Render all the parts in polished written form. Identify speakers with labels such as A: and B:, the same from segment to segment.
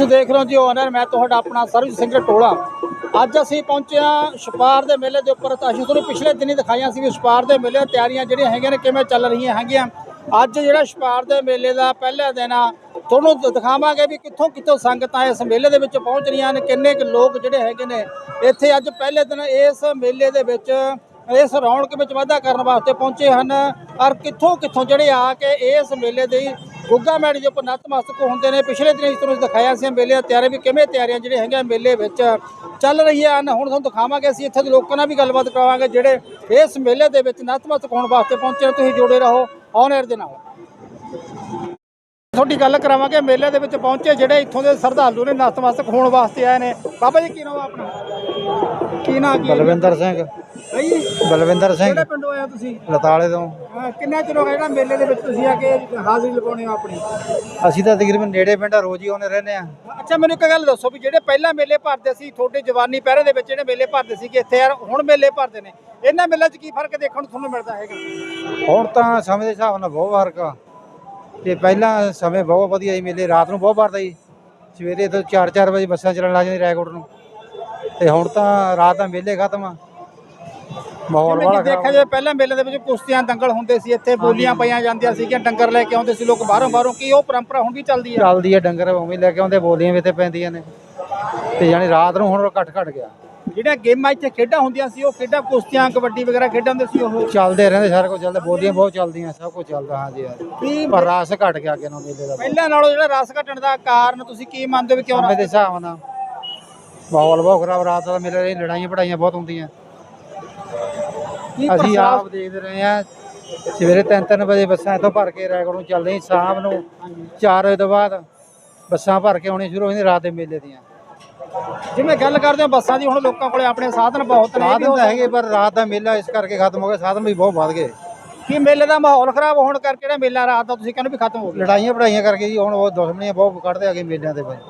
A: ਤੁਸੀਂ ਦੇਖ ਰਹੇ ਹੋ ਜੀ ਓਨਰ ਮੈਂ ਤੁਹਾਡਾ ਆਪਣਾ ਸਰਬਜੀਤ ਸਿੰਘ ਟੋਲਾ। ਅੱਜ ਅਸੀਂ ਪਹੁੰਚੇ ਹਾਂ ਛਪਾਰ ਦੇ ਮੇਲੇ ਦੇ ਉੱਪਰ। ਤਾਂ ਅਸੀਂ ਤੁਹਾਨੂੰ ਪਿਛਲੇ ਦਿਨੀ ਦਿਖਾਈਆਂ ਸੀ ਵੀ ਛਪਾਰ ਦੇ ਮੇਲੇ ਤਿਆਰੀਆਂ ਜਿਹੜੀਆਂ ਹੈਗੀਆਂ ਨੇ ਕਿਵੇਂ ਚੱਲ ਰਹੀਆਂ ਹੈਗੀਆਂ। ਅੱਜ ਜਿਹੜਾ ਛਪਾਰ ਦੇ ਮੇਲੇ ਦਾ ਪਹਿਲਾ ਦਿਨ ਆ, ਤੁਹਾਨੂੰ ਦਿਖਾਵਾਂਗੇ ਵੀ ਕਿੱਥੋਂ ਕਿੱਥੋਂ ਸੰਗਤਾਂ ਇਸ ਮੇਲੇ ਦੇ ਵਿੱਚ ਪਹੁੰਚ ਰਹੀਆਂ ਨੇ, ਕਿੰਨੇ ਕੁ ਲੋਕ ਜਿਹੜੇ ਹੈਗੇ ਨੇ ਇੱਥੇ ਅੱਜ ਪਹਿਲੇ ਦਿਨ ਇਸ ਮੇਲੇ ਦੇ ਵਿੱਚ ਇਸ ਰੌਣਕ ਵਿੱਚ ਵਾਧਾ ਕਰਨ ਵਾਸਤੇ ਪਹੁੰਚੇ ਹਨ। ਔਰ ਕਿੱਥੋਂ ਕਿੱਥੋਂ ਜਿਹੜੇ ਆ ਕੇ ਇਸ ਮੇਲੇ ਦੀ ਗੁੱਗਾ ਮੈੜੀ ਦੇ ਉੱਪਰ ਨਤਮਸਤਕ ਹੁੰਦੇ ਨੇ। ਪਿਛਲੇ ਦਿਨ ਇਸ ਤਰ੍ਹਾਂ ਦਿਖਾਇਆ ਸੀ ਮੇਲੇ ਦੀਆਂ ਤਿਆਰੀਆਂ ਵੀ ਕਿਵੇਂ ਤਿਆਰੀਆਂ ਜਿਹੜੀਆਂ ਹੈਗੀਆਂ ਮੇਲੇ ਵਿੱਚ ਚੱਲ ਰਹੀਆਂ ਹਨ। ਹੁਣ ਤੁਹਾਨੂੰ ਦਿਖਾਵਾਂਗੇ, ਅਸੀਂ ਇੱਥੇ ਦੇ ਲੋਕਾਂ ਨਾਲ ਵੀ ਗੱਲਬਾਤ ਕਰਾਵਾਂਗੇ ਜਿਹੜੇ ਇਸ ਮੇਲੇ ਦੇ ਵਿੱਚ ਨਤਮਸਤਕ ਹੋਣ ਵਾਸਤੇ ਪਹੁੰਚੇ। ਤੁਸੀਂ ਜੁੜੇ ਰਹੋ ਔਨ 에ਅਰ ਦੇ ਨਾਲ। ਤੁਹਾਡੀ ਗੱਲ ਕਰਾਵਾਂਗੇ ਮੇਲੇ ਦੇ ਵਿੱਚ ਪਹੁੰਚੇ ਜਿਹੜੇ ਇੱਥੋਂ ਦੇ ਸ਼ਰਧਾਲੂ ਨੇ ਨਤਮਸਤਕ ਹੋਣ ਵਾਸਤੇ ਆਏ ਨੇ। ਬਾਬਾ ਜੀ ਕੀ ਨਾਮ ਆਪਣਾ? ਕੀ ਨਾਮ?
B: ਬਲਵਿੰਦਰ ਸਿੰਘ। ਬਲਵਿੰਦਰ ਸਿੰਘ।
A: ਕਿਹੜੇ ਪਿੰਡੋਂ ਆਏ ਹੋ ਤੁਸੀਂ?
B: ਲਤਾਲੇ ਤੋਂ।
A: ਕਿੰਨਾ ਚਿਰ ਹੋ ਗਿਆ ਜਿਹੜਾ ਮੇਲੇ ਦੇ ਵਿੱਚ ਤੁਸੀਂ ਆ ਕੇ ਹਾਜ਼ਰੀ ਲਗਾਉਣੇ ਹੋ ਆਪਣੀ?
B: ਅਸੀਂ ਤਾਂ ਤਕਰੀਬਨ ਨੇੜੇ ਪਿੰਡ ਰੋਜ਼ ਹੀ ਆਉਂਦੇ ਰਹਿੰਦੇ ਆ।
A: ਅੱਛਾ, ਮੈਨੂੰ ਇੱਕ ਗੱਲ ਦੱਸੋ ਵੀ ਜਿਹੜੇ ਪਹਿਲਾਂ ਮੇਲੇ ਭਰਦੇ ਸੀ ਤੁਹਾਡੇ ਜਵਾਨੀ ਪਹਿਰੇ ਦੇ ਵਿੱਚ ਜਿਹੜੇ ਮੇਲੇ ਭਰਦੇ ਸੀ ਕਿ ਇੱਥੇ ਯਾਰ ਹੁਣ ਮੇਲੇ ਭਰਦੇ ਨੇ, ਇਹਨਾਂ ਮੇਲਿਆਂ 'ਚ ਕੀ ਫਰਕ ਦੇਖਣ ਨੂੰ ਤੁਹਾਨੂੰ ਮਿਲਦਾ ਹੈਗਾ?
B: ਹੁਣ ਤਾਂ ਸਮੇਂ ਦੇ ਹਿਸਾਬ ਨਾਲ ਬਹੁਤ ਫਰਕ ਆ। ਤੇ ਪਹਿਲਾਂ ਸਮੇਂ ਬਹੁਤ ਵਧੀਆ ਸੀ, ਮੇਲੇ ਰਾਤ ਨੂੰ ਬਹੁਤ ਭਰਦਾ ਸੀ। ਸਵੇਰੇ ਤੋਂ 4-4 ਵਜੇ ਬੱਸਾਂ ਚੱਲਣ ਲੱਗ ਜਾਂਦੀ ਰਾਏਕੋਟ ਨੂੰ। ਤੇ ਹੁਣ ਤਾਂ ਰਾਤ ਦਾ ਮੇਲੇ ਖਤਮ ਆ। ਮਾਹੌਲ ਵਾਲਾ
A: ਦੇਖਿਆ ਜਾਵੇ ਪਹਿਲਾਂ ਮੇਲੇ ਦੇ ਵਿੱਚ ਕੁਸ਼ਤੀਆਂ ਦੰਗਲ ਹੁੰਦੇ ਸੀ, ਇੱਥੇ ਬੋਲੀਆਂ ਪਾਈਆਂ ਜਾਂਦੀਆਂ ਸੀਗੀਆਂ, ਡੰਗਰ ਲੈ ਕੇ ਆਉਂਦੇ ਸੀ ਲੋਕ ਬਾਹਰੋਂ। ਕੀ ਉਹ ਪਰੰਪਰਾ ਹੁਣ ਵੀ ਚੱਲਦੀ ਹੈ?
B: ਚੱਲਦੀ ਹੈ, ਡੰਗਰ ਉਵੇਂ ਲੈ ਕੇ ਆਉਂਦੇ, ਬੋਲੀਆਂ ਵੀ ਇੱਥੇ ਪੈਂਦੀਆਂ ਨੇ। ਤੇ ਯਾਨੀ ਰਾਤ ਨੂੰ ਹੁਣ ਘਟ ਗਿਆ।
A: ਜਿਹੜੀਆਂ ਗੇਮਾਂ ਇੱਥੇ ਖੇਡਾਂ ਹੁੰਦੀਆਂ ਸੀ, ਉਹ ਖੇਡਾਂ ਕੁਸ਼ਤੀਆਂ ਕਬੱਡੀ ਵਗੈਰਾ ਖੇਡਾਂ ਹੁੰਦੇ ਸੀ, ਉਹ
B: ਚੱਲਦੇ ਰਹਿੰਦੇ, ਸਾਰਾ ਕੁਝ ਚੱਲਦਾ, ਬੋਲੀਆਂ ਬਹੁਤ ਚੱਲਦੀਆਂ, ਸਭ ਕੁਝ ਚੱਲਦਾ। ਹਾਂਜੀ ਯਾਰ, ਪਰ ਰਸ ਘਟ ਗਿਆ ਅੱਗੇ ਨੂੰ ਮੇਲੇ ਦਾ।
A: ਪਹਿਲਾਂ ਨਾਲੋਂ ਜਿਹੜਾ ਰਸ ਘਟਣ ਦਾ ਕਾਰਨ ਤੁਸੀਂ ਕੀ ਮੰਨਦੇ ਹੋ ਵੀ ਕਿਉਂ?
B: ਸਮੇਂ ਦੇ ਹਿਸਾਬ ਨਾਲ ਮਾਹੌਲ ਬਹੁਤ ਖਰਾਬ, ਰਾਤ ਦਾ ਮੇਲੇ ਲੜਾਈਆਂ ਪੜਾਈਆਂ ਬਹੁਤ ਹੁੰਦੀਆਂ। ਅਸੀਂ ਆਪ ਦੇਖਦੇ ਰਹੇ ਹਾਂ, ਸਵੇਰੇ 3-3 ਵਜੇ ਬੱਸਾਂ ਇੱਥੋਂ ਭਰ ਕੇ ਰਾਏਕੋਟ ਨੂੰ ਚੱਲਦੀਆਂ, ਸ਼ਾਮ ਨੂੰ 4 ਵਜੇ ਤੋਂ ਬਾਅਦ ਬੱਸਾਂ ਭਰ ਕੇ ਆਉਣੀਆਂ ਸ਼ੁਰੂ ਹੋ ਜਾਂਦੀਆਂ ਰਾਤ ਦੇ ਮੇਲੇ ਦੀਆਂ।
A: ਜਿਵੇਂ ਗੱਲ ਕਰਦੇ ਹੋ ਬੱਸਾਂ ਦੀ, ਹੁਣ ਲੋਕਾਂ ਕੋਲੇ ਆਪਣੇ ਸਾਧਨ ਬਹੁਤ ਨੇ,
B: ਸਾਧਨ ਤਾਂ ਹੈਗੇ, ਪਰ ਰਾਤ ਦਾ ਮੇਲਾ ਇਸ ਕਰਕੇ ਖਤਮ ਹੋ ਗਿਆ, ਸਾਧਨ ਵੀ ਬਹੁਤ ਵੱਧ ਗਏ।
A: ਕੀ ਮੇਲੇ ਦਾ ਮਾਹੌਲ ਖਰਾਬ ਹੋਣ ਕਰਕੇ ਜਿਹੜਾ ਮੇਲਾ ਰਾਤ ਦਾ ਤੁਸੀਂ ਕਹਿੰਦੇ ਵੀ ਖਤਮ ਹੋ ਗਿਆ?
B: ਲੜਾਈਆਂ ਪੜਾਈਆਂ ਕਰਕੇ ਜੀ, ਹੁਣ ਉਹ ਦੁਸ਼ਮਣੀਆਂ ਬਹੁਤ ਕੱਢਦੇ ਆਗੇ ਮੇਲਿਆਂ ਦੇ ਵਿੱਚ।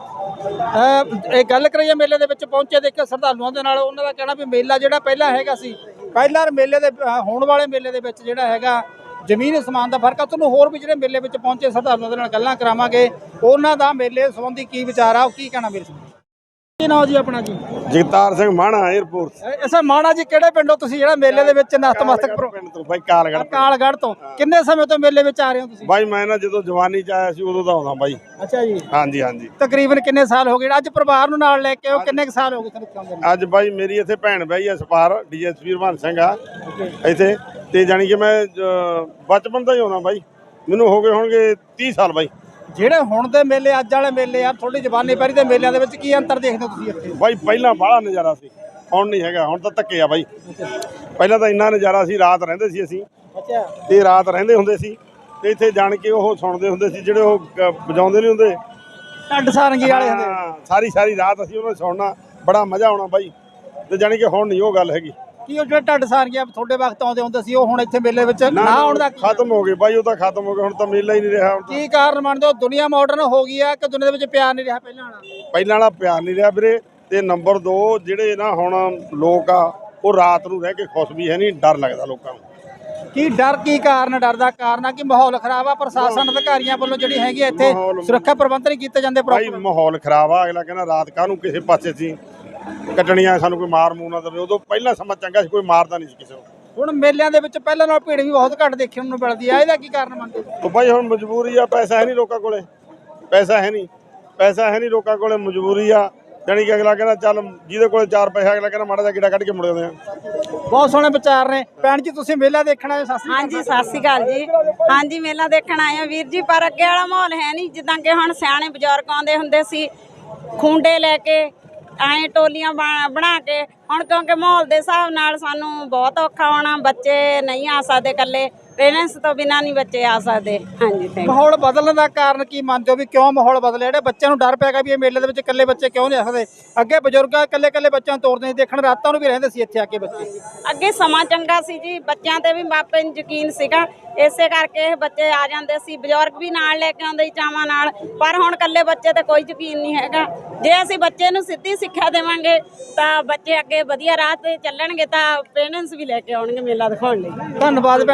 A: ਇਹ ਗੱਲ ਕਰੀਏ ਮੇਲੇ ਦੇ ਵਿੱਚ ਪਹੁੰਚੇ ਦੇਖੇ ਸ਼ਰਧਾਲੂਆਂ ਦੇ ਨਾਲ, ਉਹਨਾਂ ਦਾ ਕਹਿਣਾ ਵੀ ਮੇਲਾ ਜਿਹੜਾ ਪਹਿਲਾਂ ਹੈਗਾ ਸੀ, ਪਹਿਲਾਂ ਮੇਲੇ ਦੇ ਹੋਣ ਵਾਲੇ ਮੇਲੇ ਦੇ ਵਿੱਚ ਜਿਹੜਾ ਹੈਗਾ ਜ਼ਮੀਨ ਅਸਮਾਨ ਦਾ ਫਰਕ ਆ। ਤੁਹਾਨੂੰ ਹੋਰ ਵੀ ਜਿਹੜੇ ਮੇਲੇ ਵਿੱਚ ਪਹੁੰਚੇ ਸ਼ਰਧਾਲੂਆਂ ਦੇ ਨਾਲ ਗੱਲਾਂ ਕਰਾਵਾਂਗੇ, ਉਹਨਾਂ ਦਾ ਮੇਲੇ ਸੰਬੰਧੀ ਕੀ ਵਿਚਾਰ ਆ, ਉਹ ਕੀ ਕਹਿਣਾ ਮੇਰੇ ਸੰਬੰਧੀ। ਕੀ ਨਾਮ ਜੀ ਆਪਣਾ? ਜੀ
C: ਜਗਤਾਰ ਸਿੰਘ ਮਾਣਾ, 에ਅਰਪੋਰਟ।
A: ਅੱਛਾ ਮਾਣਾ ਜੀ, ਕਿਹੜੇ ਪਿੰਡੋਂ ਤੁਸੀਂ ਜਿਹੜਾ ਮੇਲੇ ਦੇ ਵਿੱਚ ਨਤਮਸਤਕ?
C: ਪਿੰਡ ਤੋਂ ਬਾਈ, ਕਾਲਗੜ੍ਹ
A: ਤੋਂ। ਕਿੰਨੇ ਸਮੇਂ ਤੋਂ ਮੇਲੇ ਵਿੱਚ ਆ ਰਹੇ ਹੋ ਤੁਸੀਂ?
C: ਬਾਈ ਮੈਂ ਨਾ ਜਦੋਂ ਜਵਾਨੀ ਚ ਆਇਆ ਸੀ ਉਦੋਂ ਦਾ ਆਉਂਦਾ ਬਾਈ।
A: ਅੱਛਾ ਜੀ।
C: ਹਾਂਜੀ।
A: ਤਕਰੀਬਨ ਕਿੰਨੇ ਸਾਲ ਹੋ ਗਏ? ਅੱਜ ਪਰਿਵਾਰ ਨੂੰ ਨਾਲ ਲੈ ਕੇ ਆਓ, ਕਿੰਨੇ ਕੁ ਸਾਲ ਹੋ ਗਏ ਤੁਹਾਨੂੰ?
C: ਅੱਜ ਬਾਈ ਮੇਰੀ ਇੱਥੇ ਭੈਣ ਬਈ ਆ ਸਪਾਰ, ਡੀਐਸਪੀ ਹਰਬੰਸ ਸਿੰਘ ਆ ਇੱਥੇ। ਤੇ ਜਾਣੀ ਕਿ ਮੈਂ ਬਚਪਨ ਤੋਂ ਹੀ ਆਉਣਾ ਬਾਈ, ਮੈਨੂੰ ਹੋ ਗਏ ਹੋਣਗੇ 30 ਸਾਲ ਬਾਈ। ਜਿਹੜੇ
A: ਹੁਣ ਦੇ ਮੇਲੇ, ਅੱਜ ਵਾਲੇ ਮੇਲੇ ਆ, ਥੋੜੀ ਜਵਾਨੀ ਪਹਿਰੀ ਦੇ ਮੇਲਿਆਂ ਦੇ ਵਿੱਚ ਕੀ ਅੰਤਰ ਦੇਖਦੇ ਹੋ ਤੁਸੀਂ ਇੱਥੇ?
C: ਬਾਈ ਪਹਿਲਾਂ ਬਾਹਲਾ ਨਜ਼ਾਰਾ ਸੀ, ਹੁਣ ਨਹੀਂ ਹੈਗਾ। ਹੁਣ ਤਾਂ ਧੱਕੇ ਆ ਬਾਈ। ਪਹਿਲਾਂ ਤਾਂ ਇੰਨਾ ਨਜ਼ਾਰਾ ਸੀ, ਰਾਤ ਰਹਿੰਦੇ ਸੀ ਅਸੀਂ।
A: ਅੱਛਾ।
C: ਤੇ ਰਾਤ ਰਹਿੰਦੇ ਹੁੰਦੇ ਸੀ ਤੇ ਇੱਥੇ ਜਾਣ ਕੇ ਉਹ ਸੁਣਦੇ ਹੁੰਦੇ ਸੀ, ਜਿਹੜੇ ਉਹ ਵਜਾਉਂਦੇ ਨਹੀਂ ਹੁੰਦੇ
A: ਢੱਡ ਸਾਰੰਗੀ ਵਾਲੇ ਹੁੰਦੇ।
C: ਸਾਰੀ ਰਾਤ ਅਸੀਂ ਉਹਨਾਂ ਨੂੰ ਸੁਣਨਾ, ਬੜਾ ਮਜ਼ਾ ਆਉਣਾ ਬਾਈ। ਤੇ ਜਾਣੀ ਕਿ ਹੁਣ ਨਹੀਂ ਉਹ ਗੱਲ ਹੈਗੀ।
A: ਕੀ ਉਹ ਜਿਹੜੇ ਢੱਡ ਸਾਰੰਗੀਆਂ ਤੁਹਾਡੇ ਵਕਤ ਆਉਂਦੇ ਹੁੰਦੇ ਸੀ, ਉਹ ਹੁਣ ਇੱਥੇ ਮੇਲੇ ਵਿੱਚ ਨਾ ਆਉਣ ਦਾ?
C: ਖਤਮ ਹੋ ਗਏ ਬਾਈ, ਉਹ ਤਾਂ ਖਤਮ ਹੋ ਗਏ, ਹੁਣ ਤਾਂ ਮੇਲਾ ਹੀ ਨਹੀਂ ਰਿਹਾ।
A: ਕੀ ਕਾਰਨ ਮੰਨਦੇ ਹੋ? ਦੁਨੀਆ ਮਾਡਰਨ ਹੋ ਗਈ ਆ ਕਿ ਦੁਨੀਆ ਦੇ ਵਿੱਚ ਪਿਆਰ ਨਹੀਂ ਰਿਹਾ
C: ਪਹਿਲਾਂ ਵਾਲਾ ਪਿਆਰ ਨਹੀਂ ਰਿਹਾ ਵੀਰੇ। ਤੇ ਨੰਬਰ 2, ਜਿਹੜੇ ਨਾ ਹੁਣ ਲੋਕ ਆ, ਉਹ ਰਾਤ ਨੂੰ ਰਹਿ ਕੇ ਖੁਸ਼ ਵੀ ਹੈ ਨਹੀਂ, ਡਰ ਲੱਗਦਾ ਲੋਕਾਂ ਨੂੰ।
A: ਕੀ ਡਰ? ਕੀ ਕਾਰਨ? ਡਰ ਦਾ ਕਾਰਨ ਆ ਕਿ ਮਾਹੌਲ ਖਰਾਬ ਆ, ਪ੍ਰਸ਼ਾਸਨ ਅਧਿਕਾਰੀਆਂ ਵੱਲੋਂ ਜਿਹੜੀ ਹੈਗੀ ਇੱਥੇ ਸੁਰੱਖਿਆ ਪ੍ਰਬੰਧ ਨਹੀਂ ਕੀਤੇ ਜਾਂਦੇ
C: ਭਾਈ। ਮਾਹੌਲ ਖਰਾਬ ਆ, ਅਗਲਾ ਕਹਿੰਦਾ ਰਾਤ ਕਾਹਨੂੰ ਕਿਸੇ ਪਾਸੇ ਸੀ ਕੱਟਣੀਆਂ, ਸਾਨੂੰ ਕੋਈ ਮਾਰ ਮੂਰ ਨਾ ਦੇਵੇ। ਉਦੋਂ ਪਹਿਲਾਂ ਸਮਾਂ ਚੰਗਾ ਸੀ, ਕੋਈ ਮਾਰਦਾ ਨਹੀਂ ਸੀ ਕਿਸੇ ਨੂੰ।
A: ਹੁਣ ਮੇਲਿਆਂ ਦੇ ਵਿੱਚ ਪਹਿਲਾਂ ਨਾਲ ਭੀੜ ਵੀ ਬਹੁਤ ਘੱਟ ਦੇਖਣ ਨੂੰ ਮਿਲਦੀ ਆ, ਇਹਦਾ ਕੀ ਕਾਰਨ ਮੰਨਦੇ ਹੋ?
C: ਭਾਈ ਹੁਣ ਮਜਬੂਰੀ ਆ, ਪੈਸਾ ਹੈ ਨਹੀਂ ਲੋਕਾਂ ਕੋਲੇ, ਪੈਸਾ ਹੈ ਨਹੀਂ ਲੋਕਾਂ ਕੋਲੇ, ਮਜਬੂਰੀ ਆ। ਜਾਣੀ ਕਿ ਅਗਲਾ ਕਹਿੰਦਾ ਚੱਲ ਜਿਹਦੇ ਕੋਲੇ 4 ਪੈਸੇ, ਅਗਲਾ ਕਹਿੰਦਾ ਮਾੜਾ ਜਿਹਾ ਗੇੜਾ ਕੱਢ ਕੇ ਮੁੜ ਜਾਂਦੇ ਆ।
A: ਬਹੁਤ ਸੋਹਣੇ ਵਿਚਾਰ ਨੇ। ਭੈਣ ਜੀ ਤੁਸੀਂ ਮੇਲਾ ਦੇਖਣ ਆਏ?
D: ਹਾਂਜੀ, ਸਤਿ ਸ਼੍ਰੀ ਅਕਾਲ ਜੀ। ਹਾਂਜੀ, ਮੇਲਾ ਦੇਖਣ ਆਏ ਆ ਵੀਰ ਜੀ, ਪਰ ਅੱਗੇ ਵਾਲਾ ਮਾਹੌਲ ਹੈ ਨਹੀਂ। ਜਿੱਦਾਂ ਕਿ ਹੁਣ ਸਿਆਣੇ ਬਜ਼ੁਰਗ ਆਉਂਦੇ ਹੁੰਦੇ ਸੀ ਖੁੰਡੇ ਲੈ ਕੇ, ਐਂ ਟੋਲੀਆਂ ਬਣਾ ਕੇ। ਹੁਣ ਕਿਉਂਕਿ ਮਾਹੌਲ ਦੇ ਹਿਸਾਬ ਨਾਲ ਸਾਨੂੰ ਬਹੁਤ ਔਖਾ ਹੋਣਾ, ਬੱਚੇ ਨਹੀਂ ਆ ਸਕਦੇ ਇਕੱਲੇ, ਪੇਰੈਂਟਸ ਤੋਂ ਬਿਨਾਂ ਨਹੀਂ ਬੱਚੇ ਆ ਸਕਦੇ। ਹਾਂਜੀ,
A: ਮਾਹੌਲ ਬਦਲਣ ਦਾ ਕਾਰਨ ਕੀ ਮੰਨਦੇ ਹੋ ਵੀ ਕਿਉਂ ਮਾਹੌਲ ਬਦਲਿਆ? ਜਿਹੜੇ ਬੱਚਿਆਂ ਨੂੰ ਡਰ ਪੈਗਾ ਵੀ ਇਹ ਮੇਲੇ ਦੇ ਵਿੱਚ ਇਕੱਲੇ ਬੱਚੇ ਕਿਉਂ ਨਹੀਂ ਆ ਸਕਦੇ? ਅੱਗੇ ਬਜ਼ੁਰਗ ਇਕੱਲੇ ਬੱਚਿਆਂ ਨੂੰ ਤੋਰਦੇ ਸੀ ਦੇਖਣ, ਰਾਤਾਂ ਨੂੰ ਵੀ ਰਹਿੰਦੇ ਸੀ ਇੱਥੇ ਆ ਕੇ ਬੱਚੇ।
D: ਅੱਗੇ ਸਮਾਂ ਚੰਗਾ ਸੀ ਜੀ, ਬੱਚਿਆਂ ਤੇ ਵੀ ਮਾਪੇ ਨੂੰ ਯਕੀਨ ਸੀਗਾ, ਇਸੇ ਕਰਕੇ ਇਹ ਬੱਚੇ ਆ ਜਾਂਦੇ ਸੀ, ਬਜ਼ੁਰਗ ਵੀ ਨਾਲ ਲੈ ਕੇ ਆਉਂਦੇ ਸੀ ਚਾਵਾਂ ਨਾਲ। ਪਰ ਹੁਣ ਇਕੱਲੇ ਬੱਚੇ ਤੇ ਕੋਈ ਯਕੀਨ ਨਹੀਂ ਹੈਗਾ। ਜੇ ਅਸੀਂ ਬੱਚੇ ਨੂੰ ਸਿੱਧੀ ਸਿੱਖਿਆ ਦੇਵਾਂਗੇ ਤਾਂ ਬੱਚੇ ਅੱਗੇ ਵਧੀਆ ਰਾਹ ਤੇ ਚੱਲਣਗੇ, ਤਾਂ ਪੇਰੈਂਟਸ ਵੀ ਲੈ ਕੇ ਆਉਣਗੇ ਮੇਲਾ ਦਿਖਾਉਣ ਲਈ।
A: ਧੰਨਵਾਦ ਭੈਣ ਜੀ ਸਾਨੂੰ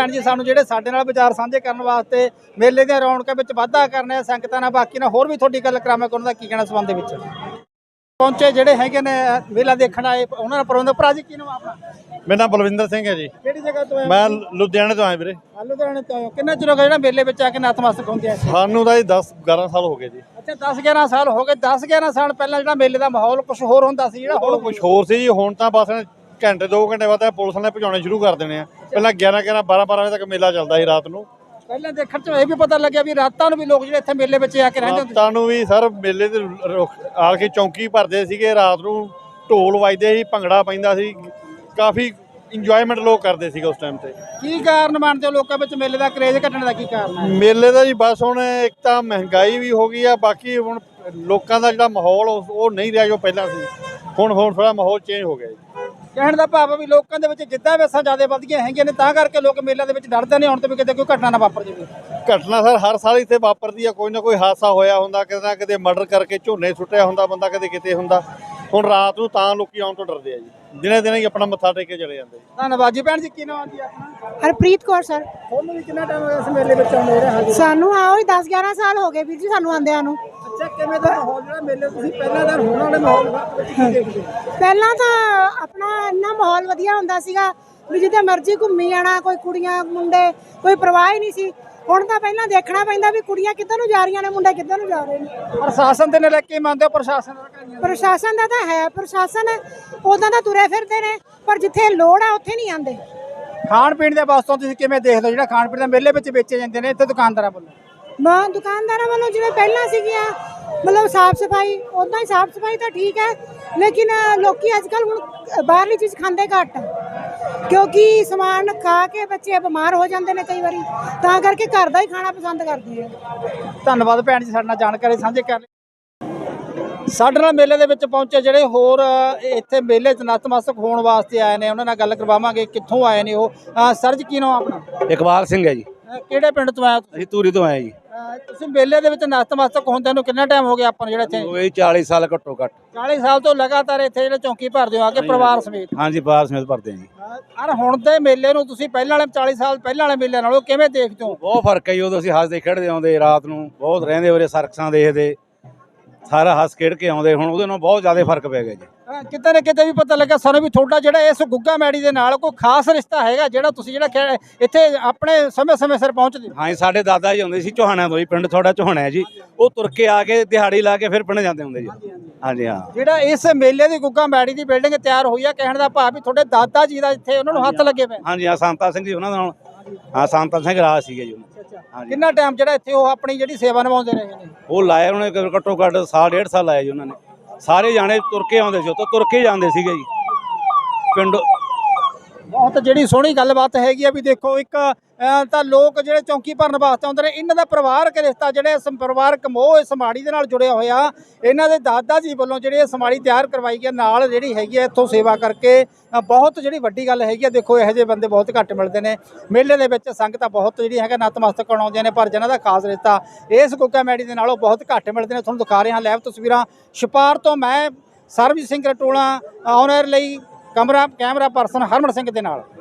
A: ਜਿਹੜੇ ਸਾਡੇ ਨਾਲ ਵਿਚਾਰ ਸਾਂਝੇ ਕਰਨ ਵਾਸਤੇ ਮੇਲੇ ਦੀਆਂ ਰੌਣਕਾਂ ਵਿੱਚ ਵਾਧਾ ਕਰਨੇ ਸੰਗਤਾਂ ਨਾਲ ਬਾਕੀ ਨਾਲ ਹੋਰ ਵੀ ਤੁਹਾਡੀ ਗੱਲ ਕਰਾਵਾਂ ਕਿ ਉਹਨਾਂ ਦਾ ਕੀ ਕਹਿਣਾ ਸੰਬੰਧ ਦੇ ਵਿੱਚ ਪਹੁੰਚੇ ਜਿਹੜੇ ਹੈਗੇ ਨੇ ਮੇਲਾ ਦੇਖਣ ਆਏ ਉਹਨਾਂ ਦਾ ਪ੍ਰਬੰਧਕ ਭਰਾ ਜੀ ਕੀ ਨਾਮ ਆਪਣਾ
E: ਮੇਰਾ ਨਾਮ ਬਲਵਿੰਦਰ ਸਿੰਘ ਹੈ ਜੀ।
A: ਕਿਹੜੀ ਜਗ੍ਹਾ ਤੋਂ ਆਏ
E: ਮੈਂ ਲੁਧਿਆਣੇ ਤੋਂ ਆਇਆ ਵੀਰੇ।
A: ਲੁਧਿਆਣੇ ਤੋਂ ਆਏ ਹੋ। ਕਿੰਨਾ ਚਿਰ ਹੋ ਗਿਆ ਜਿਹੜਾ ਮੇਲੇ ਵਿੱਚ ਆ ਕੇ ਨਤਮਸਤਕ ਹੁੰਦੇ ਆ
E: ਸਾਨੂੰ ਤਾਂ ਜੀ 10-11 ਸਾਲ ਹੋ ਗਏ ਜੀ।
A: ਅੱਛਾ 10-11 ਸਾਲ ਹੋ ਗਏ 10-11 ਸਾਲ ਪਹਿਲਾਂ ਜਿਹੜਾ ਮੇਲੇ ਦਾ ਮਾਹੌਲ ਕੁਝ ਹੋਰ ਹੁੰਦਾ ਸੀ ਜਿਹੜਾ
E: ਹੁਣ ਕੁਝ ਹੋਰ ਸੀ ਜੀ। ਹੁਣ ਤਾਂ ਬਸ ਘੰਟੇ 2 ਘੰਟੇ ਬਾਅਦ ਪੁਲਿਸ ਨੇ ਭਜਾਉਣੇ ਸ਼ੁਰੂ ਕਰ ਦੇਣੇ ਆ। ਪਹਿਲਾਂ 11-11 12-12 ਵਜੇ ਤੱਕ ਮੇਲਾ ਚੱਲਦਾ ਸੀ ਰਾਤ ਨੂੰ।
A: ਪਹਿਲਾਂ ਦੇਖਣ ਚ ਇਹ ਵੀ ਪਤਾ ਲੱਗਿਆ ਵੀ ਰਾਤਾਂ ਨੂੰ ਵੀ ਲੋਕ ਜਿਹੜੇ ਇੱਥੇ ਮੇਲੇ ਵਿੱਚ ਆ ਕੇ ਰਹਿੰਦੇ ਹੁੰਦੇ
E: ਰਾਤਾਂ ਨੂੰ ਵੀ ਸਰ ਮੇਲੇ ਤੇ ਆ ਕੇ ਚੌਂਕੀ ਭਰਦੇ ਸੀਗੇ। ਰਾਤ ਨੂੰ ਢੋਲ ਵੱਜਦੇ ਸੀ, ਭੰਗੜਾ ਪੈਂਦਾ ਸੀ, ਕਾਫੀ ਇੰਜੋਇਮੈਂਟ ਲੋਕ ਕਰਦੇ ਸੀਗੇ ਉਸ ਟਾਈਮ ਤੇ।
A: ਕੀ ਕਾਰਨ ਮੰਨਦੇ ਹੋ ਲੋਕਾਂ ਵਿੱਚ ਮੇਲੇ ਦਾ ਕਰੇਜ਼ ਘਟਣ ਦਾ ਕੀ ਕਾਰਨ ਹੈ
E: ਮੇਲੇ ਦਾ ਜੀ ਬਸ ਹੁਣ ਇੱਕ ਤਾਂ ਮਹਿੰਗਾਈ ਵੀ ਹੋ ਗਈ ਆ, ਬਾਕੀ ਹੁਣ ਲੋਕਾਂ ਦਾ ਜਿਹੜਾ ਮਾਹੌਲ ਉਹ ਨਹੀਂ ਰਿਹਾ ਜੋ ਪਹਿਲਾਂ ਸੀ। ਹੁਣ ਥੋੜਾ ਮਾਹੌਲ ਚੇਂਜ ਹੋ ਗਿਆ ਜੀ।
A: ਕਹਿਣ ਦਾ ਭਾਵ ਵੀ ਲੋਕਾਂ ਦੇ ਵਿੱਚ ਜਿੱਦਾਂ ਵੈਸਾਂ ਜ਼ਿਆਦਾ ਵੱਧ ਗਈਆਂ ਹੈਗੀਆਂ ਨੇ ਤਾਂ ਕਰਕੇ ਲੋਕ ਮੇਲਿਆਂ ਦੇ ਵਿੱਚ ਡਰਦੇ ਨੇ ਹੁਣ ਤੇ ਵੀ ਕਿਤੇ ਕੋਈ ਘਟਨਾ ਨਾ ਵਾਪਰ ਜਾਵੇ।
E: ਘਟਨਾ ਸਰ ਹਰ ਸਾਲ ਇੱਥੇ ਵਾਪਰਦੀ ਆ, ਕੋਈ ਨਾ ਕੋਈ ਹਾਦਸਾ ਹੋਇਆ ਹੁੰਦਾ, ਕਿਤੇ ਨਾ ਕਿਤੇ ਮਰਡਰ ਕਰਕੇ ਝੋਨੇ ਸੁੱਟਿਆ ਹੁੰਦਾ ਬੰਦਾ, ਕਦੇ ਕਿਤੇ ਹੁੰਦਾ। ਹੁਣ ਰਾਤ ਨੂੰ ਤਾਂ ਲੋਕੀ ਆਉਣ ਤੋਂ ਡਰਦੇ ਆ ਜੀ। ਦਿਨੇ ਹੀ ਆਪਣਾ ਮੱਥਾ ਟੇਕ ਕੇ ਚਲੇ ਜਾਂਦੇ।
A: ਧੰਨਵਾਦ ਜੀ। ਭੈਣ ਜੀ ਕੀ ਨਾਮ ਜੀ ਆਪਣਾ
F: ਹਰਪ੍ਰੀਤ ਕੌਰ ਸਰ।
A: ਤੁਹਾਨੂੰ ਵੀ ਕਿੰਨਾ ਟਾਈਮ ਹੋ ਗਿਆ ਇਸ ਮੇਲੇ ਵਿੱਚ ਆਉਂਦੇ ਰਹੇ?
F: ਸਾਨੂੰ ਆਓ ਹੀ 10-11 ਸਾਲ ਹੋ ਗਏ ਵੀਰ ਜੀ ਸਾਨੂੰ ਆਂਦਿਆਂ ਨੂੰ।
A: ਅੱਛਾ ਕਿਵੇਂ ਦਾ ਮਾਹੌਲ ਜਿਹੜਾ ਮੇਲੇ ਤੁਸੀਂ ਪਹਿਲਾਂ ਦਾ ਹੁਣ ਵਾਲੇ ਮਾਹੌਲ ਵਿੱਚ ਕੀ ਦੇਖਦੇ ਹੋ?
F: ਪਹਿਲਾਂ ਤਾਂ ਆਪਣਾ ਇੰਨਾ ਮਾਹੌਲ ਵਧੀਆ ਹੁੰਦਾ ਸੀਗਾ ਵੀ ਜਿੱਥੇ ਮਰਜ਼ੀ ਘੁੰਮੀ ਜਾਣਾ, ਕੋਈ ਕੁੜੀਆਂ ਮੁੰਡੇ ਕੋਈ ਪਰਵਾਹ ਹੀ ਨਹੀਂ ਸੀ। ਹੁਣ ਤਾਂ ਪਹਿਲਾਂ ਦੇਖਣਾ ਪੈਂਦਾ ਵੀ ਕੁੜੀਆਂ ਕਿੱਧਰ ਨੂੰ ਜਾ ਰਹੀਆਂ ਨੇ, ਮੁੰਡੇ ਕਿੱਧਰ ਨੂੰ ਜਾ ਰਹੇ ਨੇ।
A: ਪ੍ਰਸ਼ਾਸਨ ਦੇ ਨਾਲ ਕੀ ਮੰਨਦੇ ਹੋ?
F: ਪ੍ਰਸ਼ਾਸਨ ਦਾ ਤਾਂ ਹੈ, ਪ੍ਰਸ਼ਾਸਨ ਉਦਾਂ ਤਾਂ ਤੁਰੇ ਫਿਰਦੇ ਨੇ ਪਰ ਜਿੱਥੇ ਲੋੜ ਆ ਉੱਥੇ ਨਹੀਂ ਆਉਂਦੇ।
A: ਖਾਣ ਪੀਣ ਦੇ ਵਾਸਤੇ ਤੁਸੀਂ ਕਿਵੇਂ ਦੇਖਦੇ ਹੋ ਜਿਹੜਾ ਖਾਣ ਪੀਣ ਦਾ ਮੇਲੇ ਵਿੱਚ ਵੇਚੇ ਜਾਂਦੇ ਨੇ ਇੱਥੇ ਦੁਕਾਨਦਾਰਾਂ ਵੱਲੋਂ?
F: ਦੁਕਾਨਦਾਰਾਂ ਵੱਲੋਂ ਜਿਵੇਂ ਪਹਿਲਾਂ ਸੀਗੀਆਂ ਮਤਲਬ ਸਾਫ ਸਫਾਈ, ਉਦਾਂ ਹੀ ਸਾਫ ਸਫਾਈ ਤਾਂ ਠੀਕ ਹੈ, ਲੇਕਿਨ ਲੋਕੀ ਅੱਜ ਕੱਲ੍ਹ ਹੁਣ ਬਾਹਰਲੀ ਚੀਜ਼ ਖਾਂਦੇ ਘੱਟ ਕਿਉਂਕਿ ਸਮਾਨ ਖਾ ਕੇ ਬੱਚੇ ਬਿਮਾਰ ਹੋ ਜਾਂਦੇ ਨੇ ਕਈ ਵਾਰੀ, ਤਾਂ ਕਰਕੇ ਘਰ ਦਾ ਹੀ ਖਾਣਾ ਪਸੰਦ ਕਰਦੇ ਆ।
A: ਧੰਨਵਾਦ ਭੈਣ ਜੀ ਸਾਡੇ ਨਾਲ ਜਾਣਕਾਰੀ ਸਾਂਝੀ ਕਰ ਲਈ। ਸਾਡੇ ਨਾਲ ਮੇਲੇ ਦੇ ਵਿੱਚ ਪਹੁੰਚੇ ਜਿਹੜੇ ਹੋਰ ਇੱਥੇ ਮੇਲੇ 'ਚ ਨਤਮਸਤਕ ਹੋਣ ਵਾਸਤੇ ਆਏ ਨੇ ਉਹਨਾਂ ਨਾਲ ਗੱਲ ਕਰਵਾਵਾਂਗੇ ਕਿੱਥੋਂ ਆਏ ਨੇ ਉਹ। ਸਰ ਜੀ ਕੀ ਨਾਮ ਆਪਣਾ?
B: ਇਕਬਾਲ ਸਿੰਘ ਹੈ ਜੀ।
A: ਕਿਹੜੇ ਪਿੰਡ ਤੋਂ ਆਏ ਹੋ?
B: ਅਸੀਂ ਧੂਰੀ ਤੋਂ ਆਏ ਜੀ।
A: ਤੁਸੀਂ ਮੇਲੇ ਦੇ ਵਿੱਚ ਨਤਮਸਤਕ ਹੁੰਦਿਆਂ ਨੂੰ ਕਿੰਨਾ ਟਾਈਮ ਹੋ ਗਿਆ ਆਪਾਂ ਨੂੰ ਜਿਹੜਾ ਇੱਥੇ?
B: ਹੋ ਗਏ 40 ਸਾਲ ਘੱਟੋ ਘੱਟ।
A: 40 ਸਾਲ ਤੋਂ ਲਗਾਤਾਰ ਇੱਥੇ ਜਿਹੜੇ ਚੌਂਕੀ ਭਰਦੇ ਹੋ ਆ ਕੇ ਪਰਿਵਾਰ ਸਮੇਤ?
B: ਹਾਂਜੀ ਪਰਿਵਾਰ ਸਮੇਤ ਭਰਦੇ ਹਾਂ ਜੀ।
A: ਅਰ ਹੁਣ ਦੇ ਮੇਲੇ ਨੂੰ ਤੁਸੀਂ ਪਹਿਲਾਂ ਵਾਲੇ 40 ਸਾਲ ਪਹਿਲਾਂ ਵਾਲੇ ਮੇਲਿਆਂ ਨਾਲੋਂ ਕਿਵੇਂ ਦੇਖਦੇ ਹੋ?
B: ਬਹੁਤ ਫਰਕ ਹੈ ਜੀ। ਉਦੋਂ ਅਸੀਂ ਹੱਸਦੇ ਖੇਡਦੇ ਆਉਂਦੇ, ਰਾਤ ਨੂੰ ਬਹੁਤ ਰਹਿੰਦੇ ਉਰੇ, ਸਰਕਸਾਂ ਦੇਖਦੇ, ਸਾਰਾ ਹੱਸ ਖੇਡ ਕੇ ਆਉਂਦੇ। ਹੁਣ ਉਹਦੇ ਨਾਲ ਬਹੁਤ ਜ਼ਿਆਦਾ ਫਰਕ ਪੈ ਗਿਆ ਜੀ।
A: ਕਿਤੇ ਨਾ ਕਿਤੇ ਵੀ ਪਤਾ ਲੱਗਾ ਸਾਨੂੰ ਵੀ ਤੁਹਾਡਾ ਜਿਹੜਾ ਇਸ ਗੁੱਗਾ ਮੈੜੀ ਦੇ ਨਾਲ ਕੋਈ ਖਾਸ ਰਿਸ਼ਤਾ ਹੈਗਾ ਜਿਹੜਾ ਤੁਸੀਂ ਜਿਹੜਾ ਇੱਥੇ ਆਪਣੇ ਸਮੇਂ ਸਿਰ ਪਹੁੰਚਦੇ ਹੋ?
B: ਹਾਂਜੀ ਸਾਡੇ ਦਾਦਾ ਜੀ ਆਉਂਦੇ ਸੀ ਚੋਹਾਣਿਆਂ ਤੋਂ ਜੀ। ਪਿੰਡ ਤੁਹਾਡਾ ਚੋਹਾਣਾ ਹੈ ਜੀ। ਉਹ ਤੁਰ ਕੇ ਆ ਕੇ ਦਿਹਾੜੀ ਲਾ ਕੇ ਫਿਰ ਪਿੰਡ ਜਾਂਦੇ ਹੁੰਦੇ ਜੀ। ਹਾਂਜੀ ਹਾਂ।
A: ਜਿਹੜਾ ਇਸ ਮੇਲੇ ਦੀ ਗੁੱਗਾ ਮੈੜੀ ਦੀ ਬਿਲਡਿੰਗ ਤਿਆਰ ਹੋਈ ਆ ਕਹਿਣ ਦਾ ਭਾਵ ਵੀ ਤੁਹਾਡੇ ਦਾਦਾ ਜੀ ਦਾ ਇੱਥੇ ਉਹਨਾਂ ਨੂੰ ਹੱਥ ਲੱਗੇ ਪਏ?
B: ਹਾਂਜੀ ਹਾਂ ਸੰਤਾ ਸਿੰਘ ਜੀ ਉਹਨਾਂ ਨਾਲ। ਹਾਂ ਸੰਤਾ ਸਿੰਘ ਰਾਜ ਸੀਗੇ ਜੀ।
A: ਕਿੰਨਾ ਟਾਈਮ ਜਿਹੜਾ ਇੱਥੇ ਉਹ ਆਪਣੀ ਜਿਹੜੀ ਸੇਵਾ ਨਿਭਾਉਂਦੇ ਰਹੇ ਨੇ?
B: ਉਹ ਲਾਇਆ ਉਹਨੇ ਘੱਟੋ ਘੱਟ ਸਾਲ 1.5 ਸਾਲ ਲਾਇਆ ਜੀ ਉਹਨਾਂ ਨੇ। ਸਾਰੇ ਜਾਣੇ ਤੁਰ ਕੇ ਆਉਂਦੇ ਸੀ, ਉੱਥੋਂ ਤੁਰ ਕੇ ਜਾਂਦੇ ਸੀਗੇ ਜੀ ਪਿੰਡ।
A: ਬਹੁਤ ਜਿਹੜੀ ਸੋਹਣੀ ਗੱਲਬਾਤ ਹੈਗੀ ਆ ਵੀ ਦੇਖੋ ਇੱਕ ਤਾਂ ਲੋਕ ਜਿਹੜੇ ਚੌਂਕੀ ਭਰਨ ਵਾਸਤੇ ਆਉਂਦੇ ਨੇ ਇਹਨਾਂ ਦਾ ਪਰਿਵਾਰਕ ਰਿਸ਼ਤਾ ਜਿਹੜੇ ਪਰਿਵਾਰਕ ਮੋਹ ਇਸ ਸਮਾੜੀ ਦੇ ਨਾਲ ਜੁੜਿਆ ਹੋਇਆ। ਇਹਨਾਂ ਦੇ ਦਾਦਾ ਜੀ ਵੱਲੋਂ ਜਿਹੜੀ ਇਹ ਸਮਾੜੀ ਤਿਆਰ ਕਰਵਾਈ ਗਈ ਨਾਲ ਜਿਹੜੀ ਹੈਗੀ ਆ ਇੱਥੋਂ ਸੇਵਾ ਕਰਕੇ ਬਹੁਤ ਜਿਹੜੀ ਵੱਡੀ ਗੱਲ ਹੈਗੀ ਆ। ਦੇਖੋ ਇਹੋ ਜਿਹੇ ਬੰਦੇ ਬਹੁਤ ਘੱਟ ਮਿਲਦੇ ਨੇ ਮੇਲੇ ਦੇ ਵਿੱਚ। ਸੰਗਤਾਂ ਬਹੁਤ ਜਿਹੜੀ ਹੈਗਾ ਨਤਮਸਤਕ ਹੋਣ ਆਉਂਦੀਆਂ ਨੇ ਪਰ ਜਿਹਨਾਂ ਦਾ ਖਾਸ ਰਿਸ਼ਤਾ ਇਸ ਗੁੱਗਾ ਮੈੜੀ ਦੇ ਨਾਲੋਂ ਬਹੁਤ ਘੱਟ ਮਿਲਦੇ ਨੇ। ਤੁਹਾਨੂੰ ਦਿਖਾ ਰਹੇ ਹਾਂ ਲਾਈਵ ਤਸਵੀਰਾਂ ਛਪਾਰ ਤੋਂ। ਮੈਂ ਸਰਬਜੀਤ ਸਿੰਘ ਰਟੋਲਾ ਆਨ 에ਅਰ ਲਈ ਕੈਮਰਾ ਪਰਸਨ ਹਰਮਨ ਸਿੰਘ ਦੇ ਨਾਲ।